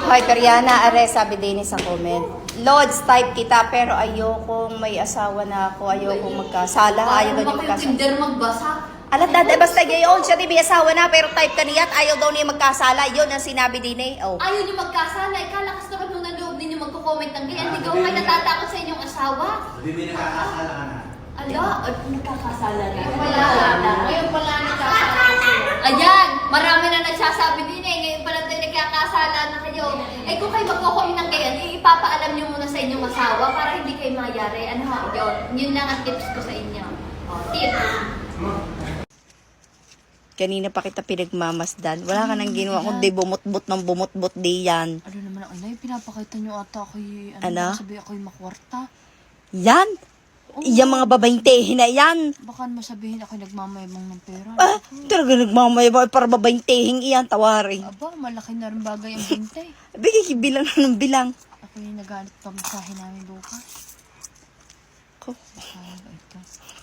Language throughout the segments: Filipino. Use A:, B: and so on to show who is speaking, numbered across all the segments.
A: Hoy, Periana, are, sabi din sa comment. Lods, type kita, pero ayokong may asawa na ako. Ayokong magkasala. Ayaw daw niya magkasala.
B: Tinder magbasa.
A: Alat, basta gayon siya, di may asawa na, pero type ka niya at ayaw daw niya magkasala. Yun ang sinabi din eh. Oh.
B: Ayaw niyo magkasala. Kalakas naman nung nanloob ninyo magko-comment ng ganyan. Hindi kayo kayo natatakot sa inyong asawa.
C: Hindi may nakakasala ka na.
B: Nagkakasala na.
D: Ngayon pala nagkakasala sila.
B: Ayan, marami na nagsasabi din eh. Ngayon pala tayo nagkakasala na kayo. Eh kung kayo magko-comment ng ganyan, ipapaalam niyo muna sa inyong asawa para hindi kayo mayari. Ano ha, yun lang ang tips ko sa inyo. O, tips.
A: Kanina pa kita pinagmamasdan. Wala ka nang ginawa kundi bumot-bot ng bumot-bot di yan.
D: Ano naman ang inay, pinapakita niyo ata ako'y,
A: Ano?
D: sabi ako'y makwarta.
A: Yan! Yung mga babaeng tehe na yan.
D: Baka masabihin ako'y nagmamayabang ng pera.
A: Ah, talaga nagmamayabay para babaeng teheng iyan, tawarin.
D: Aba, malaki na rin bagay ang bintay.
A: Bigay bilang na ng bilang.
D: Ako'y nagalit pamasahin namin bukas.
A: Ko.
D: Baka ito.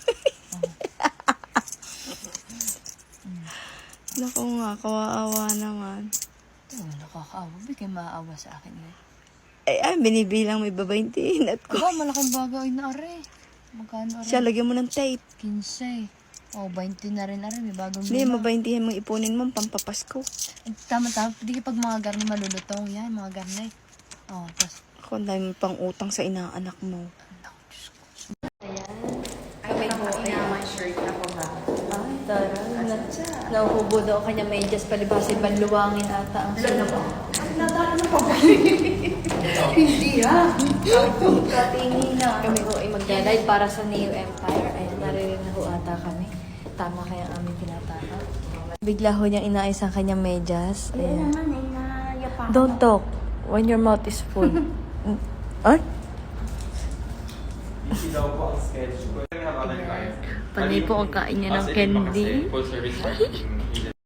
A: Naku nga, kawaawa naman.
D: Ito, nakakaawa. Bigay maaawa sa akin eh.
A: Ay, binibilang may babaeng tehin at ko.
D: Aba, malaking bagay na are. Magkano are?
A: Siya, lagyan mo ng tape.
D: 15. O, 20 na rin are. May bagong
A: Hindi,
D: lima.
A: mabaeng tehin mong ipunin mo, pampapasko.
D: Tama-tama. Hindi pag mga garni malulutong yan. Mga garni. O, tapos.
A: Ako, ang dami mo pang utang sa inaanak mo.
D: Anak, Diyos ko.
B: Kami po, ay shirt ako ha.
D: Ay, tara. Nahuhubo daw kanya medyas palibasin banluwangin ata ang sino.
B: Hindi ha.
D: Katingin na. Kami ho ay magdalay para sa Neo Empire. Ayan, naririn na ho ata kami. Tama kaya ang aming tinataka. Bigla ho niyang inaayos ang kanyang medyas. Ayan. Don't talk when your mouth is full. Ay?
C: Busy daw po ang schedule. We have other clients.
D: Panay po ang kain niya ng candy.
C: Full service parking.